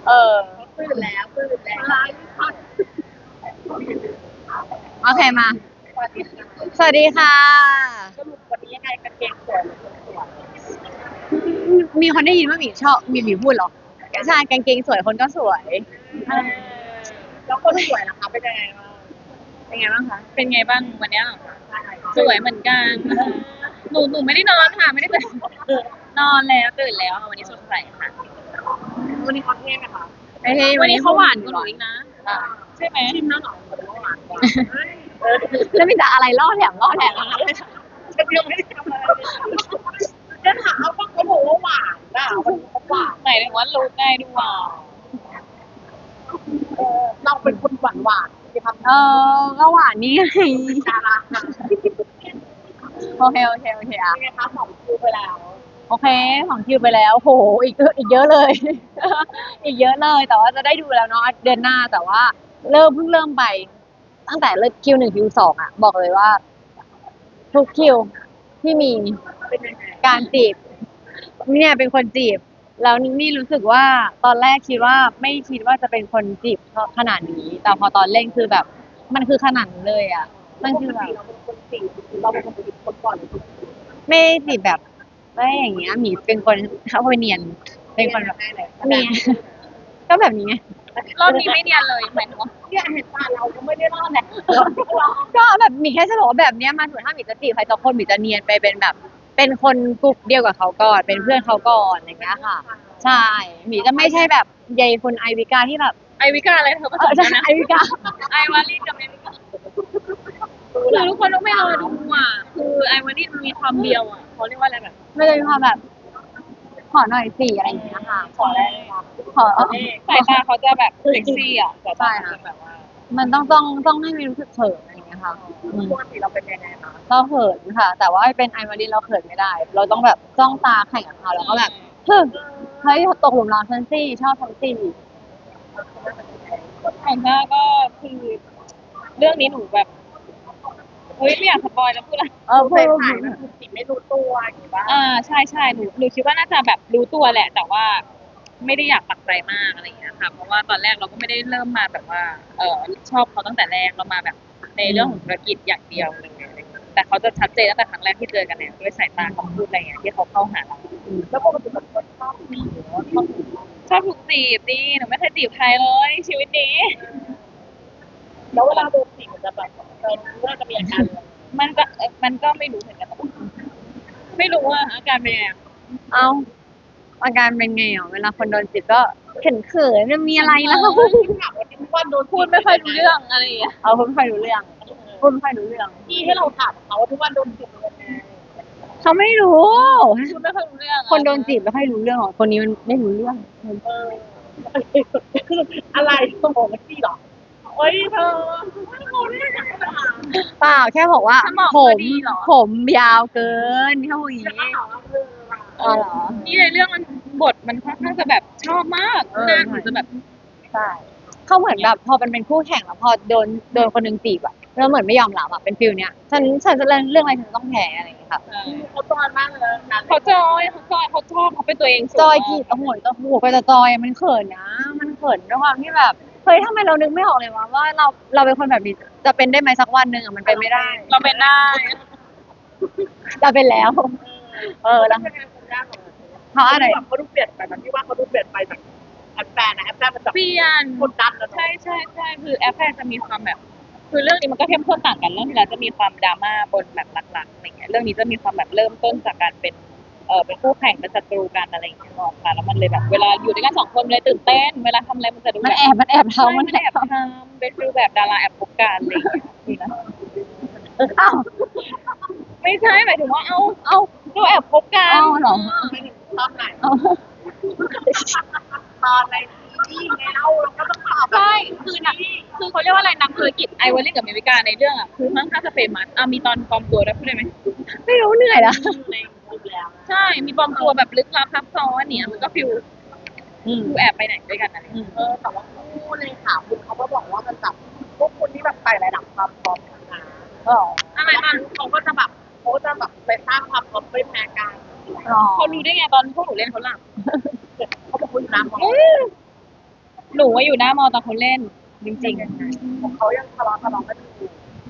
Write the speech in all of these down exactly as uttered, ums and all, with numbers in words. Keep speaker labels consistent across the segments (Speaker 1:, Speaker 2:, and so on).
Speaker 1: เออ
Speaker 2: ตื่นแล้วตื่นแล้ว
Speaker 1: โอเคมา
Speaker 2: สวัสดีค่ะ
Speaker 1: สวัสดีค่ะ
Speaker 2: สรุปวันนี้ยังไงกางเกงสวยหรือไม่สวย
Speaker 1: มีคนได้ยินว่าหมีชอบมีหมีพูดเหรอใช่กางเกงสวยคนก็สวย
Speaker 2: เออแล้วคนสวยล่ะคะเป็นยังไงบ้าง
Speaker 1: เป็นไงบ้างคะ
Speaker 3: เป็นไงบ้างวันเนี้ยสวยเหมือนกันหนูหนูไม่ได้นอนค่ะไม่ได้ตื่นนอนแล้วตื่นแล้วค่ะวันนี้สดใสค่ะ
Speaker 2: วันนี้เขาเท่ไหมคะ
Speaker 1: ไอ้เฮ้ย
Speaker 3: วันนี้เขาหวานกว่าหนูอีกนะ
Speaker 1: อ่ะ
Speaker 3: ใช่ไหม
Speaker 2: ชิมแล้วเหรอเหมือนว่าหวานกว่าเออ
Speaker 1: แล้วมีแต่อะไรล่อแถมล่อแถม
Speaker 2: ฉันยังไม่ได้ทำอะไรเลยจะถามว่าเขาบอกว่าหวานอ่ะมันเขาหวาน
Speaker 3: ไหนถึงว่ารู้ง่ายดูหวาน
Speaker 2: เออเราเป็นคนหวานหวานที่ทำ
Speaker 1: เออก็หวานนี่ไง
Speaker 2: ดาราค่ะ
Speaker 1: โอเคโอเคโอเคอ่ะ
Speaker 2: เป็นไงคะสองคิวไปแล้ว
Speaker 1: โอเคของคิวไปแล้วโหอีกอีกเยอะเลย อีกเยอะเลย แต่ว่าจะได้ดูแล้วเนาะเดือนหน้าแต่ว่าเริ่มเพิ่งเริ่มไป ตั้งแต่เริ่มคิวหนึ่งคิวสองอ่ะ บอกเลยว่า ทุกคิวที่มี
Speaker 2: เป็นยังไง
Speaker 1: การจีบเนี่ยเป็นคนจีบ แล้วนี่รู้สึกว่าตอนแรกคิดว่าไม่คิดว่าจะเป็นคนจีบขนาดนี้ แต่พอตอนเล่นคือแบบ มันคือขนาดนั้นเลยอ่ะมันคือแบบ
Speaker 2: เราเป็นคนจีบเราเป็นคนจีบคนก่อนหรือคน
Speaker 1: ไม่ได้จีบแบบไม่อย่างเงี้ยหมีเป็นคนเขาเป็นเนียน เป็นคนแบบ
Speaker 2: ได้เลย
Speaker 1: เนียน ก็แบบนี้ไง
Speaker 3: รอบนี้ไม่เนียนเลยหมายถึงว่า
Speaker 2: เนี่ยเห็นตาเราก็ไม่ได้รอดแหละ
Speaker 1: ก็แบบหมีแค่จะบอกว่าแบบเนี้ยมาถึงถ้าหมีจะจีบใครสักคนหมีจะเนียนไปเป็นแบบ เป็นคนกลุ่มเดียวกับเขาก่อนเป็นเพื่อนเขาก่อนอย่างเงี้ยค่ะ ใช่หมีจะไม่ใช่แบบยายคนไอวิกาที่แบบ
Speaker 3: ไอวิกาอะไรเธอผ
Speaker 1: เอ
Speaker 3: ส
Speaker 1: อ
Speaker 3: ม
Speaker 1: ใช่
Speaker 3: กันนะ
Speaker 1: ไอวิกา
Speaker 3: ไอวาลีกับไอวิกาคือทุกคนต้องไม่รอดูอ่ะคือไอวาลีมันมีความเดียวอ่ะเขาเรียกว่าอะไรแบบ
Speaker 1: ไม่ได้มีความแบบ ขอหน่อยสิอะไรอย่างเงี้ยค่ะ
Speaker 3: ขออะไร
Speaker 1: ขอ
Speaker 3: สายตาเขาจะแบบเซ็กซี่อ่ะสายตา
Speaker 1: ใช่
Speaker 3: เขา
Speaker 1: ค่ะ
Speaker 3: จะแบบว่า
Speaker 1: มันต้องต้องต้องให้มีรู้สึกเขินอะไรอย่างเงี้ยค่ะอืม
Speaker 2: ปกติเราเป็นยังไงคะ
Speaker 1: เราเขินค่ะ แต่ว่าเป็นไอมารีเราเขินไม่ได้ เราต้องแบบจ้องตาแข่งกับเขาแล้วก็แบบเฮ้ยเฮ้ยตกหลุมรักฉันสิชอบฉันสิ
Speaker 3: ของหน้าก็คือเรื่องนี้หนูแบบเฮ้ยไม่อยากสปอยแล้วพูดอะไร
Speaker 1: เออ
Speaker 2: เรา
Speaker 1: พู
Speaker 2: ใส่
Speaker 1: ด
Speaker 2: ถ่ายมันคือจีบไม่รู้ตัวอย่างนี้ป่ะ
Speaker 3: อ่าใช่ใช่หนูหนูคิดว่าน่าจะแบบรู้ตัวแหละ แต่ว่าไม่ได้อยากปักใจมากอะไรอย่างเงี้ยค่ะเพราะว่าตอนแรกเราก็ไม่ได้เริ่มมาแบบว่าเออชอบเขาตั้งแต่แรกเรามาแบบในเรื่องของธุรกิจอย่างเดียวเลยอะไรอย่างเงี้ยแต่เขาจะชัดเจนตั้งแต่ครั้งแรกที่เจอกันเนี่ยด้วยสายตาคำพูดอะไรอย่างเงี้ยที่เขาเข้าหาเรา
Speaker 2: แล้วปกติเป็นคนชอบจีบหรือว่าชอบจีบ
Speaker 3: ชอบถูกจีบดิหนูไม่เคยจีบใครเลย ชีวิตนี้
Speaker 2: แล้วเวลาโดนจีบมันจะแบบเออว่าจะมีอาการอะไร
Speaker 3: มันก็เอ่อมันก็ไม่รู้เหมือนกันไม่รู้ว่าอาการเป็นยังไงอะ
Speaker 1: เอาอาการเป็นไงอ่ะเวลาคนโดนจีบก็เขินเขินมันมีอะไรแล้ว
Speaker 2: ถามว่าที่ว่าโดน
Speaker 3: พูดไม่ค่อยรู้เรื่องอะไรอย่างเงี้ย
Speaker 1: เอาพูดไม่ค่อยรู้เรื่องพูดไม่ค่อยรู้เรื่อง
Speaker 2: ที่ให้เราถามเขาว่าทุกวันโดนจีบเป็นยังไง
Speaker 1: เขาไม่รู้
Speaker 3: พูดไม่ค่อยรู้เรื่องอะ
Speaker 1: คนโดนจีบไม่ค่อยรู้เรื่องหรอกคนนี้มันไม่รู้เรื่อง
Speaker 2: เออคืออะไรสมองมันจีบหรอเฮ้ยเธอไม่รู้ได้ยังไงล่ะ
Speaker 1: เปล่าแค่บอกว่า
Speaker 3: สมอง
Speaker 1: ผ
Speaker 3: เธอ
Speaker 1: ม
Speaker 3: ดีเหรอ
Speaker 1: ผมยาวเกินแค่พูดอย่าง
Speaker 2: แล้วก็
Speaker 1: นี้
Speaker 2: ถามว่าเธอล่ะ
Speaker 1: อ๋อเหรอ
Speaker 3: นี่ในเรื่องมันบทมันค่อนข้างจะแบบชอบมาก
Speaker 1: เออ
Speaker 3: หน้าหนูจะแบบ
Speaker 1: ใช่เขาเหมือนแบบพอมันเป็นคู่แข่งแล้วพอโดนโดนคนหนึงจีบอะแล้วเหมือนไม่ยอมรับอะเป็นฟิลเนี้ยฉันฉันจะเล่นเรื่องอะไรฉันต้องแพ้อะไรอย่างเงี้ยค่ะ
Speaker 3: เอ่อ
Speaker 2: เขาตอนมากเลยนะ
Speaker 3: เขาจอยเขาจอยเขาชอบเขาเป็นตัวเองสูง
Speaker 1: จอย
Speaker 3: มาก
Speaker 1: จีบโอ้โหโอ้โหก็จะจอยอะมันเขินนะ มันเขินด้วยความที่แบบเฮ้ยทำไมเรานึกไม่ออกเลยวะว่าเราเราเป็นคนแบบนี้จะเป็นได้ไหมสักวันหนึ่งอะมันเป็นไม่ได้
Speaker 3: เราเป็นได้
Speaker 1: เราเป็นแล้ว เออแล้ว
Speaker 2: เป็นคนยากเหรอ
Speaker 1: เพราะอะไร
Speaker 2: แบบเขาดูเปลี่ยนไปมันที่ว่าเขาดูเปลี่ยนไปจากแอปแฟนนะแอปแฟนมันจะ
Speaker 3: เปลี่ยน
Speaker 2: กดดันแล้ว
Speaker 3: ใช่ใช่ใช่คือแอฟแฟนจะมีความแบบ คือเรื่องนี้มันก็เข้มข้นต่างกันเรื่องที่แล้วจะมีความดราม่าบนแบบหลักๆอะไรเงี้ยเรื่องนี้จะมีความแบบเริ่มต้นจากการเป็นเออเป็นคู่แข่งเป็นศัตรูกันอะไรอย่างเงี้ยออกค่ะแล้วมันเลยแบบเวลาอยู่ด้วยกันสองคนมันเลยตื่นเต้นเวลาทำอะไรมันจะดู
Speaker 1: มัน
Speaker 3: แบบ
Speaker 1: แอบมันแอบ
Speaker 3: ใช่
Speaker 1: ทำมัน
Speaker 3: มันแอบทำเป็นฟิลแบบดาราแอบคบกันอะไรอย่างเงี้ยนี่นะ
Speaker 1: อ้าว
Speaker 3: ไม่ใช่หมายถึงว่าเอาเอาเราแอบคบกัน
Speaker 1: อ้าวเหรอ
Speaker 2: ไม่ถึงตอนไหน
Speaker 1: เอา
Speaker 2: ตอนในที่ไงเล่าเราก็ต้องตอบ
Speaker 3: ใช่คือนักคือเขาเรียกว่าอะไรนักธุรกิจไอวอลลี่กับเมวิกาในเรื่องอ่ะคือค่อนข้างจะเฟมัสอ่ะมีตอนปลอมตัวด้วยพูดได้ไหม
Speaker 1: ไม่รู้เหนื่อยละ
Speaker 2: ในคลิปแล้ว
Speaker 3: ใช่ มีปลอมตัวแบบลึกลับซับซ้อนเนี่ย มันก็ฟิล
Speaker 1: อืม
Speaker 3: ฟิลแอบไปไหนด้วยกันอะไรอย่างเงี้ย
Speaker 2: เออแต่ว่าคู่ในข่าวคุณเขาก็บอกว่ามันแบบพวกคุณที่แบบไต่ระดับความพร้อมกันนะ
Speaker 1: อ๋อ
Speaker 3: อะไรมัน
Speaker 2: เขาก็จะแบบเขาก็จะแบบไปสร้างความพร้อมไม่แพ้กัน
Speaker 1: อ๋อ
Speaker 3: เขารู้ได้ไงตอนพวกหนูเล่นเขาหลับ
Speaker 2: เขาบอกคุณน้ำเขา
Speaker 3: หนูว่าอยู่หน้ามอตอนเขาเล่นจริง
Speaker 2: ของเขายังทะเลาะทะเลาะกันอยู่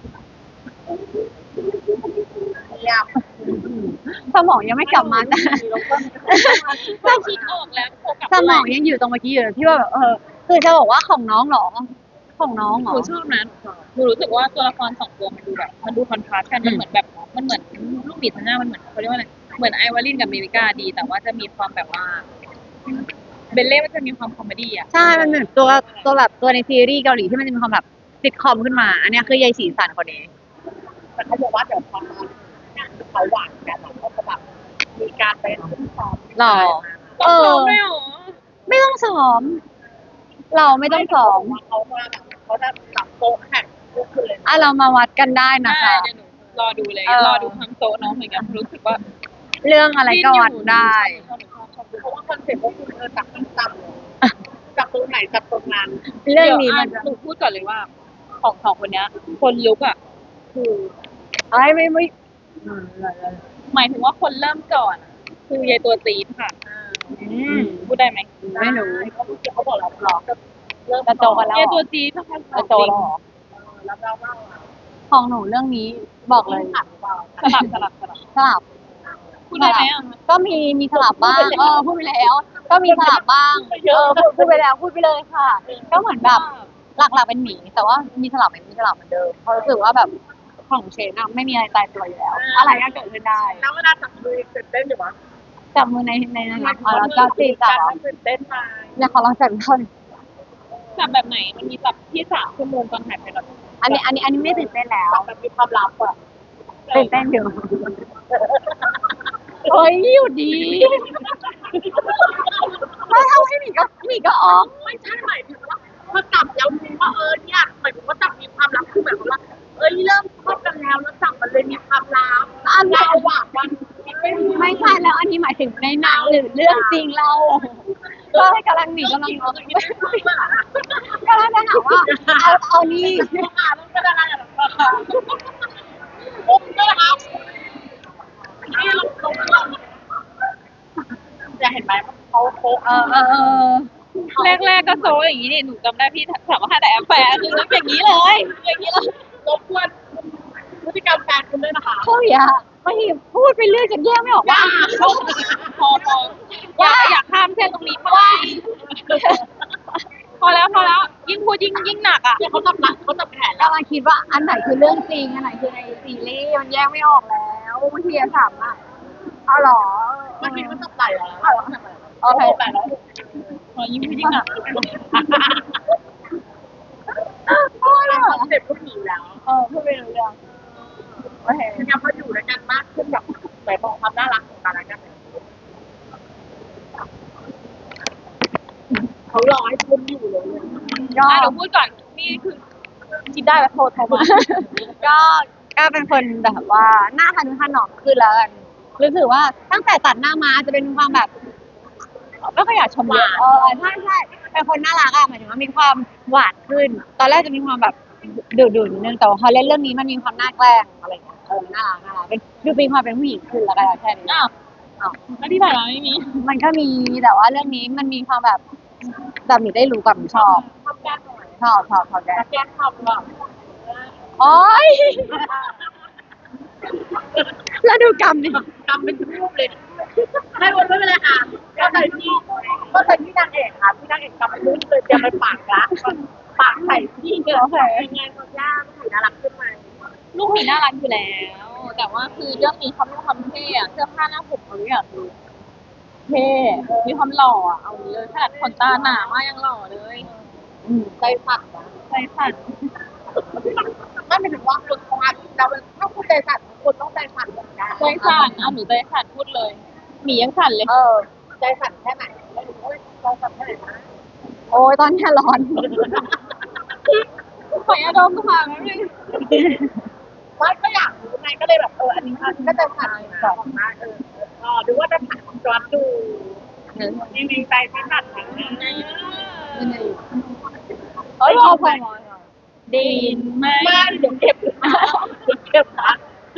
Speaker 2: เงียบ
Speaker 1: สมองยังไม่กลับมาแต่
Speaker 2: แล้วก็
Speaker 3: ๆถ้าคิดออกแล้วโฟกัส
Speaker 1: สมองยังอยู่ตรงเมื่อกี้อยู่เลยที่ว่าแบบเออคือจะบอกว่าของน้องเหรอของน้องเหร
Speaker 3: ห
Speaker 1: อ
Speaker 3: นูชอบนะหนูรู้สึกว่าตัวละครสองตัวมันดูแบบมันดูคอนทราสต์กันมันเหมือนแบบมันเหมือนลูกหมีทั้งหน้ามันเหมือนเขาเรียกว่าอะไรเหมือนไอวาลินกับเมริกาดี แต่ว่าจะมีความแบบว่าเบลเล่มันจะมีความคอมเมดี้อ่ะ
Speaker 1: ใช่มันเหมือนตัวตัวแบบตัวในซีรีส์เกาหลีที่มันจะมีความแบบซิทคอมขึ้นมา อันเนี้ยคือยายสีสันคนนี้
Speaker 2: แต่เขาบอกว่าเดี๋ยวพอตอนงานที่เขาหวานกันแล้วเขาจะแบบมีการไปขึ้นซ้อม
Speaker 1: หรอ
Speaker 3: เออไม่หรอ
Speaker 1: ไม่ต้องซ้อม เราไม่ต้องซ้อม
Speaker 2: เขามาแบบเขาจะจับโต๊ะแข่งทุกคืนเลย
Speaker 1: อ่ะเรามาวัดกันได้นะ
Speaker 3: ได้
Speaker 1: คะ
Speaker 3: เดี๋ยวหนูรอดูเลย
Speaker 1: เออ
Speaker 3: รอดูความโตน้องเหมือนกันรู้สึกว่า
Speaker 1: เรื่องอะไรก็วัดได้
Speaker 3: ชอบหนูชอบชอบดู
Speaker 2: เพราะว่าคอนเซ็ปต์ก็คือเออจับมันจับเลยจับตรงไหนจับตรงนั้น
Speaker 1: เรื่องนี้มัน
Speaker 3: ดี๋ยว
Speaker 1: จะ
Speaker 3: อ่ะหนูพูดก่อนเลยว่า ของสองคนเนี้ย คนลุกอ่ะคือ
Speaker 1: ไอ้ยไม่ไม่อืม
Speaker 3: หมายถึงว่าคนเริ่มก่อนอะคือยายตัวตีนค่ะ
Speaker 1: อืม
Speaker 3: พูดได้ไหม
Speaker 1: ไม่รู้
Speaker 2: เขาเขาบอกเราหรอเริ่ม
Speaker 1: จะโตกันแล้ว
Speaker 3: ยายตัวตีนนะคะ
Speaker 1: จะโตแล้วเหรอ
Speaker 2: แล้วเราเล่า
Speaker 1: ของหนูเรื่องนี้บอกเลย
Speaker 2: ขัดเปล่า
Speaker 3: สลับสลับสลับ
Speaker 1: สลับ
Speaker 3: พูดได้ไหมอ่ะ
Speaker 1: ก็มีมีสลับบ้างเออพูดไปแล้ว ก็มีสลับบ้างเออพูดพูดไปแล้วพูดไปเลยค่ะ ก็เหมือนแบบหลักๆเป็นหมีแต่ว่ามีสลับไหมมีสลับเหมือนเดิมเพราะรู้สึกว่าแบบของเชนอะไม่มีอะไรตายตัวอยู่แล้ว อะไรก็เกิดขึ้นได้
Speaker 2: แล้วเวลาจับมือตื่นเต้นอยู่วะ
Speaker 1: จับมือในในนั้นนะอ๋อแล้วก็ตีจับเหรอ
Speaker 2: ตื่นเต้นไหม
Speaker 1: เนี่ยขอลองจับอีกท่อน
Speaker 3: จับแบบไหนมันมีจับที่สามชั่วโมงตอนถ่ายไปแล้ว
Speaker 1: อันนี้อันนี้อันนี้ไม่ตื่นเต้นแล้ว
Speaker 2: จับแบบมีความลับอ่ะ
Speaker 1: ตื่นเต้นอยู่เฮ้ยอยู่ดีไม่ทำให้หมีก็หมีก็ออก
Speaker 2: ไม่ใช่หมายถึงว่าพอจับแล้วรู้ว่าเออเนี่ยหมายถึงว่าจับมีความลับคือแบบว่า เอ้ยเริ่มชอบกันแล้วแล้วจับมันเลยมีความลับ
Speaker 1: อัน
Speaker 2: แล้
Speaker 1: นี้
Speaker 2: วหวานวันไม่รู้
Speaker 1: ไม่ใช่แล้วอันนี้หมายถึงในหนังหรือเรื่องจริงเราก็ให้กำลังหนีกำลัง
Speaker 2: เราจะคิดว่าเมื่อไหร่
Speaker 1: กำลังจะถามว่าเอาเอานี่
Speaker 2: อ่านแล้วก็ได้อะไรหรอปุ๊บก็ครับนี่ลงลงลงจะเห็นไหมเขาโป๊ะ
Speaker 1: เออเออเออ
Speaker 3: แรกๆก็โซอย่างนี้นี่หนูจำได้พี่ถามว่าแต่แอปแฟร์คืออย่างนี้เลย อย่างนี้เลย
Speaker 2: รบกวนพฤติกรรมแฟนคุณด้วยนะคะ
Speaker 1: เขาอย่าบางทีพูดไปเรื่อยจนแยกไม่ออกว่า
Speaker 3: พอพออยากอยากข้ามเส้นตรงนี้ไปพอแล้วพอแล้วยิ่งพูดยิ่งยิ่งหนักอ่ะ
Speaker 2: เนี่ยเขาจับหลักเขาจับแขนแล้ว
Speaker 1: กำลังคิดว่าอันไหนคือเรื่องจริงอันไหนคือในซีรีส์มันแยกไม่ออกแล้วบางทีอะถามอ่ะเอาเหรอ
Speaker 2: มันมีเขาจับไหล่เหรอ
Speaker 1: โอเค
Speaker 2: ไหล่แล้ว
Speaker 3: พอยิ่งพูดยิ่งหนัก
Speaker 1: โอ้ย
Speaker 2: เป็นคอนเซ็ปต์ผู้หญิงแล้ว
Speaker 1: เออพูดไปเรื่อยโอเค
Speaker 2: เนี่ยเขาอยู่ด้วยกันมากขึ้นแบบไหนบอกความน่ารักของกันและกันเขารอให้คุณอยู่เลย
Speaker 1: ก็
Speaker 3: อ่ะเดี๋ยวพูดก่อนนี่คือคิดได้แล้วโทรโทรมา
Speaker 1: ก็ก็เป็นคนแบบว่าหน้าทันทันหนอมขึ้นแล้วกันรู้สึกว่าตั้งแต่ตัดหน้ามาจะเป็นความแบบไม่ค่อยอยากชมเยอะเออใช่ใช่เป็นคนน่ารักอะหมายถึงว่ามีความหวานขึ้น ตอนแรกจะมีความแบบดุดุนิดนึงแต่ว่าพอเล่นเรื่องนี้มันมีความน่าแกล้งอะไรอย่างเงี้ยเออน่ารักน่ารักเป็นดูมีความเป็นผู้หญิงขึ้นแล้วกันแค่นี้
Speaker 3: อ้าว
Speaker 1: อ้าว
Speaker 3: แล้วที่ผ่านมาไม่มี
Speaker 1: มันก็มีแต่ว่าเรื่องนี้มันมีความแบบแบบหนูได้รู้กับหนูชอบ
Speaker 2: ทำแก้หน่อย
Speaker 1: ชอบชอบชอบแก
Speaker 2: แก้ทำแบบ
Speaker 1: โอ๊ยแล้วดูกรรมดิ
Speaker 2: ทำเป็นรูปเลยไม่วนไม่เป็นไรค่ะก็ใส่ที่ก็ใส่ที่นางเอกค่ะที่นางเอกกำเป็นรูปเลยเตรียมไปปากละปากใส่ที่เนี่ยยังไงเขาย่างสีน่ารักขึ้นมา
Speaker 3: ลูกหมีน่ารักอยู่แล้ว แต่ว่าคือเรื่องนี้เขามีความเท่อะเสื้อผ้าหน้าผมเขาทุกอย่างคือเท่มีความหล่ออะเอางี้เลยขนาดขนตาหนามากยังหล่อเลย
Speaker 1: อืม
Speaker 2: ใจสั่นนะ
Speaker 3: ใจสั่น
Speaker 2: ไม่เป็นถึงว่าคนคงอาจจะถ้าคุณใจสั่นคนต้องใจสั่นเหมือนกัน
Speaker 3: ใจสั่นอ่ะหนูใจสั่นพูดเลยหมียังสั่นเลย
Speaker 1: เออ
Speaker 2: ใจสั่นแค่ไหนไม่รู้ว่าใจสั่นแค่ไหนนะ
Speaker 1: โอ้ยตอนนี้ร้อน
Speaker 3: ขอยาดมก็มาแล้วนึง
Speaker 2: ว่าก็อยากรู้ไงก็เลยแบบเอออันนี้ก็ใจสั่นนะของมากเออเออดูว่าจะถ่ายของจอร์ดดูนี่มีใจไม่สั่นนะ
Speaker 1: เอ้ยพอพอ
Speaker 3: ดีนไหม
Speaker 2: ไม่เดี๋ยวเก็บนะเดี๋ยวเก็บนะ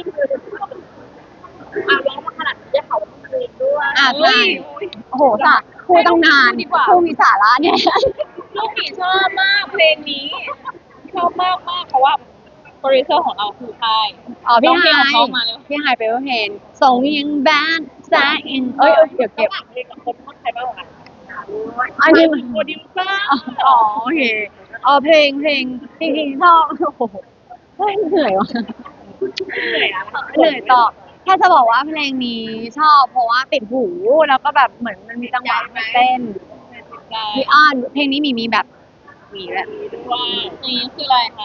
Speaker 2: อ่ะร้องมาขนาดนี้เขาคืนด้วย
Speaker 1: อ่ะใช่โอ้โหสะครูต้องนานครูมีสาระเนี่ย
Speaker 3: ลูกหมีชอบมากเพลงนี้ชอบมากมากเพราะว่าโปรดิวเซอร์ของเราคือใคร
Speaker 1: อ๋อพี่ไฮ
Speaker 3: ร้องเพลงของเขามาเลย
Speaker 1: พี่ไฮเปเปอร์เพนส่งยังแบดแซอินเอ้ยเอ้ยเดี๋ยวเก็บ
Speaker 2: ระหว่างเพลงกับคนชอบใครบ้างกัน
Speaker 1: อันนี้
Speaker 2: โปรดิวเซอร์
Speaker 1: อ๋อโอเคอ๋อเพลงเพลงจริงๆชอบโอ้โหเฮ้ยเหนื่อยวะ
Speaker 2: เหนื่อยอะ
Speaker 1: เหนื่อยตอบแค่จะบอกว่าเพลงนี้ชอบเพราะว่าติดหูแล้วก็แบบเหมือนมันมีจังหวะให้เต้น
Speaker 3: ใช่
Speaker 1: มีอ้อนเพลงนี้มีมีแบบมีแหละ
Speaker 3: ว่านี่คืออะไรคะ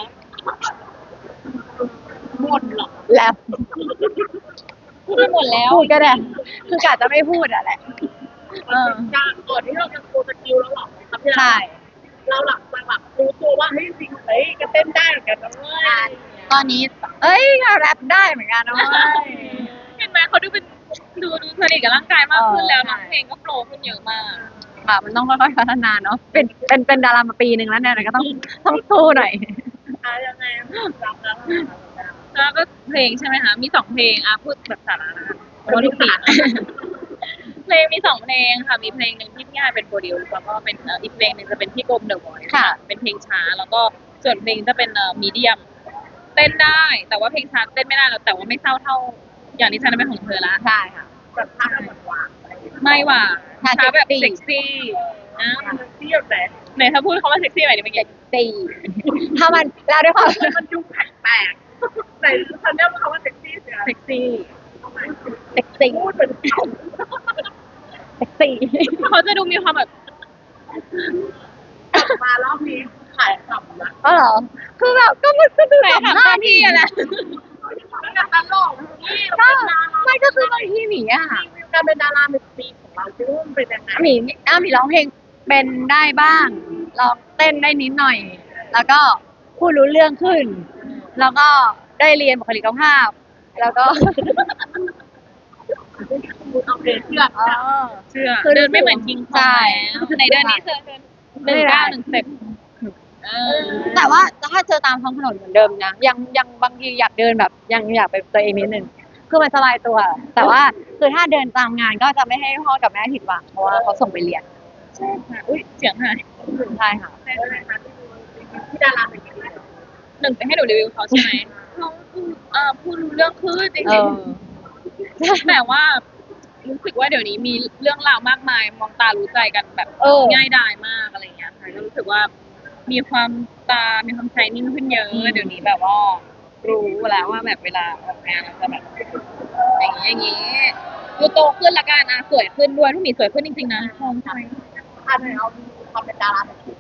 Speaker 2: หมดหรอ
Speaker 1: แล้ว
Speaker 3: พูดไปหมดแล้ว
Speaker 1: พูดก็ได้คือกะจะไม่พูดอะแหละเออ
Speaker 2: จากก่อนที่เราจะโชว์สกิลแล้วหรอครับพี่
Speaker 1: ใช่
Speaker 2: เราหลับมาแบบรู้ตัวว่าเฮ้ยจริงเฮ้ยก็เต้นได้เหมือนกันนะเว้ย
Speaker 1: ตอนนี้ เอ้ยแรปได้เหมือนกันนะเว้ย
Speaker 3: เห็นไหมเขาดูเป็นดูดูสนิทกับร่างกายมากขึ้นแล้ว
Speaker 1: เออใช่
Speaker 3: ร้องเพลงก็โปรขึ้นเยอะมาก
Speaker 1: ค่ะมันต้องค่อยๆพัฒนาเนาะเป็นเป็นเป็นดารามาปีหนึ่งแล้วเนี่ยก็ต้องต้องสู้หน่อย
Speaker 2: อ่ะยังไงจำแล้ว
Speaker 3: แล้วก็เพลงใช่ไหมคะ มีสองเพลงอ่ะพูดแบบสาระนะคะเพราะทุกปีเพลงมีสองเพลงค่ะ มีเพลงหนึ่งที่พี่ฮายเป็นโปรดิวซ์แล้วก็เป็นเอ่ออีกเพลงหนึ่งจะเป็นพี่กรมเดอะวอยซ์
Speaker 1: ค่ะ
Speaker 3: เป็นเพลงช้า แล้วก็ส่วนเพลงจะเป็นเอ่อมีเดียม เต้นได้ แต่ว่าเพลงช้าเต้นไม่ได้แล้วแต่ว่าไม่เศร้าเท่า อย่างนี้ฉันนั้นเป็นของเธอละ
Speaker 1: ใช่ค่ะ
Speaker 2: แบบท่าเหมือนหวานอะไรอย่างเงี้ย
Speaker 3: ไม่หว่า
Speaker 1: ช้า
Speaker 3: ช้าแบบ
Speaker 1: เซ็
Speaker 3: เซ็
Speaker 1: ก
Speaker 3: ก
Speaker 1: ซี่
Speaker 3: ซี่นะ
Speaker 2: เที่ยวแต่
Speaker 3: ไหนถ้าพูดคำว่าเซ็กซี่หน่อยดิเมื่อกี้
Speaker 1: ตีถ้ามันแล้วด้วยความ
Speaker 2: มันดูแปลกๆแต่ฉันเรียกว่าคำว่าเซ็กซี่เสีย
Speaker 3: เซ็กซี่
Speaker 1: เซ็กซี่
Speaker 2: พูดเป็นเขา
Speaker 1: เซ็กซี่
Speaker 3: เขาจะดูมีความแบบ
Speaker 2: กลับมารอบนี้ขายขำนะ
Speaker 1: อ๋อเหรอคือแบบก็มันก็ดู
Speaker 3: ใส่
Speaker 1: สัม
Speaker 3: ถาม
Speaker 1: ภา
Speaker 3: หน้า
Speaker 1: ษณ์
Speaker 3: ที่อะไร
Speaker 2: แล้วการตลกนี่
Speaker 1: ก็ไม่ก็คือบางทีหมีอะ
Speaker 2: การเป็นดาราเป็นปีของเราที่ว่ามันเป็นยังไง
Speaker 1: หมีอ้าหมีร้องเพลงเป็นได้บ้างร้องเต้นได้นิดหน่อย แล้วก็พูดรู้เรื่องขึ้น แล้วก็ได้เรียนบุคลิกภาพ แล้วก็
Speaker 2: เอาเพลงเชื่อ
Speaker 1: อ๋อ
Speaker 3: เชื่อ
Speaker 1: คือ
Speaker 3: เดินไม่เหมือนคิงค
Speaker 1: ใช่
Speaker 3: องแล้วในเดือนนี้เธอเดินหนึ่งเก้าหนึ่งเต็ปเออ
Speaker 1: แต่ว่าถ้าเจอตามท้องถนนเหมือนเดิมนะยังยังบางทีอยากเดินแบบยังอยากเป็นตัวเองนิดนึงคือมันสบายตัว แต่ว่าคือถ้าเดินตามงานก็จะไม่ให้พ่อกับแม่ผิดหวังเพราะว่าเขาส่งไปเรียน
Speaker 3: ใช่ค่ะอุ้ยเสียงหาย
Speaker 1: ใช่ค่ะ
Speaker 2: เป็นอะไรคะที่ดาราเป็นยังไง
Speaker 3: หนึ่งจะให้หนูรีวิวเขาใช่ไหมเขาพูดเอ่อพูดรู้เรื่องขึ้นจ
Speaker 1: เอ
Speaker 3: ริง
Speaker 1: อ
Speaker 3: ๆแต่ว่ารู้สึกว่าเดี๋ยวนี้มีเรื่องราวมากมายมองตารู้ใจกันแบบ
Speaker 1: เออ
Speaker 3: ง่ายดายมากอะไรอย่างเงี้ยค่ะก็รู้สึกว่ามีความตา มีความใจนิ่งขึ้นเยอะ
Speaker 1: อืม
Speaker 3: เดี๋ยวนี้แบบว่ารู้แล้วว่าแบบเวลาออกงานเราจะแบบอย่างนี้อย่างนี้ดูโตขึ้นละกันอ่ะสวยขึ้นด้วยทุกหมีสวยขึ้นจริงๆนะชมใช่ไหม
Speaker 2: ถ้าในเอาความเป็นดาราเป็นปี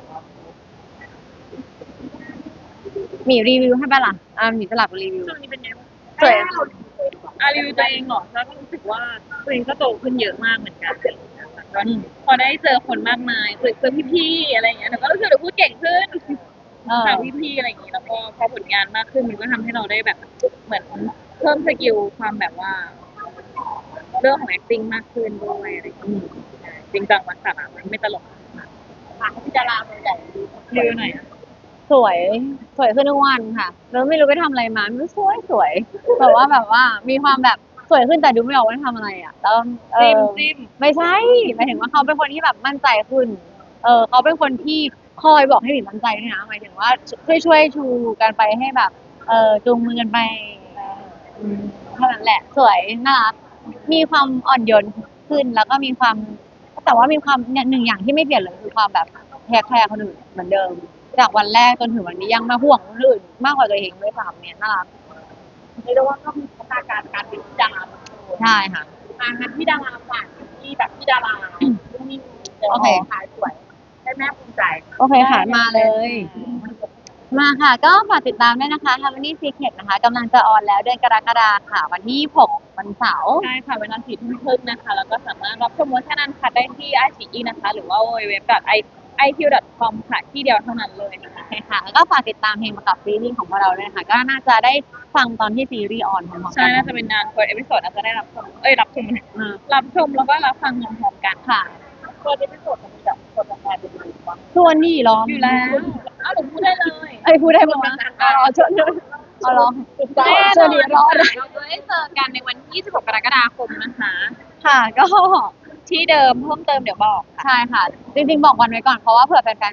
Speaker 1: หมีรีวิวให้ป่ะล่ะอ่าหมีสลับรีวิว
Speaker 3: ช่วงนี้เป็นไงบ้าง
Speaker 1: สวย
Speaker 2: เราดีเลยดีกว่า
Speaker 3: อารีวิวตัวเองเหรอแล้วก็รู้สึกว่าตัวเองก็โตขึ้นเยอะมากเหมือนกันอะไรอย่างเงี้ยค่ะก็พอได้เจอคนมากมายเจอเจอพี่ๆอะไรอย่างเงี้ยหนูก็รู้สึกเราพูดเก่งขึ้น
Speaker 1: เออ
Speaker 3: ถามพี่ๆอะไรอย่างงี้แล้วก็พอผลงานมากขึ้นมันก็ทำให้เราได้แบบเหมือนเพิ่มสกิลความแบบว่า เรื่องของ acting มากขึ้นด้วยอะไรอย่างเงี้ยจริงจังมาสาระมันไม่ตลก
Speaker 2: ถามที่ดาราตัวใหญ่ดี
Speaker 3: รีวิวหน่อยอะ
Speaker 1: สวยสวยขึ้นทุกวันค่ะแล้วไม่รู้ไปทำอะไรมาไม่รู้สวยสวยแบบว่าแบบว่ามีความแบบสวยขึ้นแต่ดูไม่ออกว่าทำอะไรอ่ะแล้วเอ
Speaker 3: จิ้ม
Speaker 1: อ
Speaker 3: จิ้ม
Speaker 1: ไม่ใช่หมายถึงว่าเขาเป็นคนที่แบบมั่นใจขึ้น เออเขาเป็นคนที่คอยบอกให้หลินมั่นใจด้วยนะหมายถึงว่าช่วยช่วยชูกันไปให้แบบ เออจูงมือกันไปอืมเท่านั้นแหละ สวยน่ารักมีความอ่อนโยนขึ้นแล้วก็มีความ แต่ว่ามีความเนี่ยหนึ่งอย่างที่ไม่เปลี่ยนเลยคือความแบบแคร์แคร์คนอื่นเหมือนเดิม จากวันแรกจนถึงวันนี้ยังมาห่วงคนอื่นมากกว่าตัวเองด้วยซ้ำเนี่ยน่ารัก
Speaker 2: เรียกได้ว่าก็มีพัฒนาการการเป็นดารา
Speaker 1: ใช่ค่ะ
Speaker 2: งานนั้นที่ดาราฝากที่แบบที่ดารานิ่งๆเดี๋ยว
Speaker 1: โอเค
Speaker 2: ขายสวยให้แม่ภูมิใจ
Speaker 1: โอเคค่ะมาเลย มาค่ะ ก็ฝากติดตามด้วยนะคะ Harmony Secret นะคะกำลังจะออนแล้วเดือนกรกฎาคมค่ะ วันที่ยี่สิบหกวันเสาร์
Speaker 3: ใช่ค่ะเวลาสี่ทุ่มครึ่งนะคะ แล้วก็สามารถรับชมเวอร์ชันอันคัดได้ที่ไอซีอีนะคะ หรือว่า ดับเบิลยู ดับเบิลยู ดับเบิลยู ดอท ไอ คิว ดอท คอม ค่ะ ที่เดียวเท่านั้นเลยนะคะ
Speaker 1: โอเคค่ะ แล้วก็ฝากติดตามเพลงประกับซีรีส์ของพวกเราด้วยนะคะ ก็น่าจะได้ฟังตอนที่ซีรีส์ออนพร้อมๆ
Speaker 3: ใช่
Speaker 1: กัน
Speaker 3: น่าจะเป็นงานเปิดเอพิโซดอาจจะได้รับชม เอ้ย รับชม
Speaker 1: อืม
Speaker 3: รับชมแล้วก็รับฟังพร้อมๆกัน
Speaker 1: ค่ะ
Speaker 2: ตัวนี้เป็นส่วนของแบบคนละแทนเป็นหรือเปล่า
Speaker 1: ส่วนนี่ร้อง
Speaker 3: อยู่แล้วอ้าวหนูพูดได้เลย
Speaker 1: ไอ้ยพูดได้มั้งนะอ๋อชวนชวนเอาร้อง
Speaker 3: แน่
Speaker 1: ช
Speaker 3: น
Speaker 1: วน
Speaker 3: อ
Speaker 1: ดี
Speaker 3: น
Speaker 1: ร้อง
Speaker 3: ค่ะเราจะได้เจอกันในวันที่ยี่สิบหกกรกฎาคมนะคะ
Speaker 1: ค่ะก็
Speaker 3: ที่เดิมเพิ่มเติมเดี๋ยวบอกค่ะ
Speaker 1: ใช่ค่ะ จริงๆบอกวันไว้ก่อนเพราะว่าเผื่อแฟนๆต่าง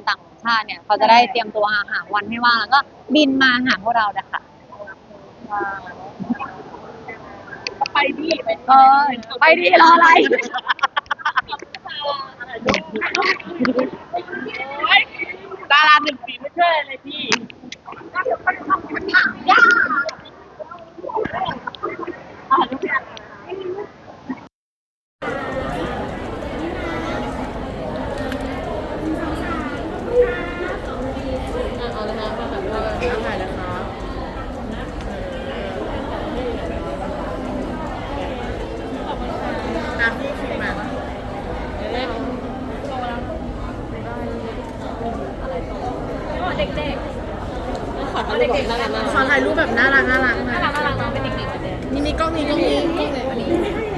Speaker 1: ชาติเนี่ยเขาจะได้เตรียมตัวหาหาวันให้ว่างแล้วก็บินมาหาพวกเราเลยค่ะ
Speaker 2: ไปดิไป
Speaker 1: เออไปดีรออะไร
Speaker 2: ดาราหนึ่งปีไม่ช่วยเลยพี่ยากอ่ะทุกอย่าง
Speaker 3: ขอถ่ายรูปแบบน่ารักน่ารักน่ารักน่ารักน้องเป็นเด็กๆนี่นี่กล้องนี้กล้องนี้กล้องเลยอันนี้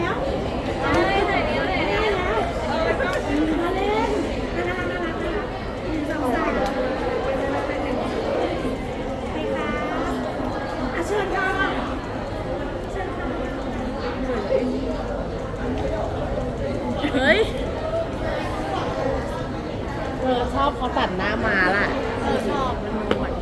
Speaker 3: เฮ้ยเธอชอบเขาตัดหน้ามาล่ะชอบมันหนวด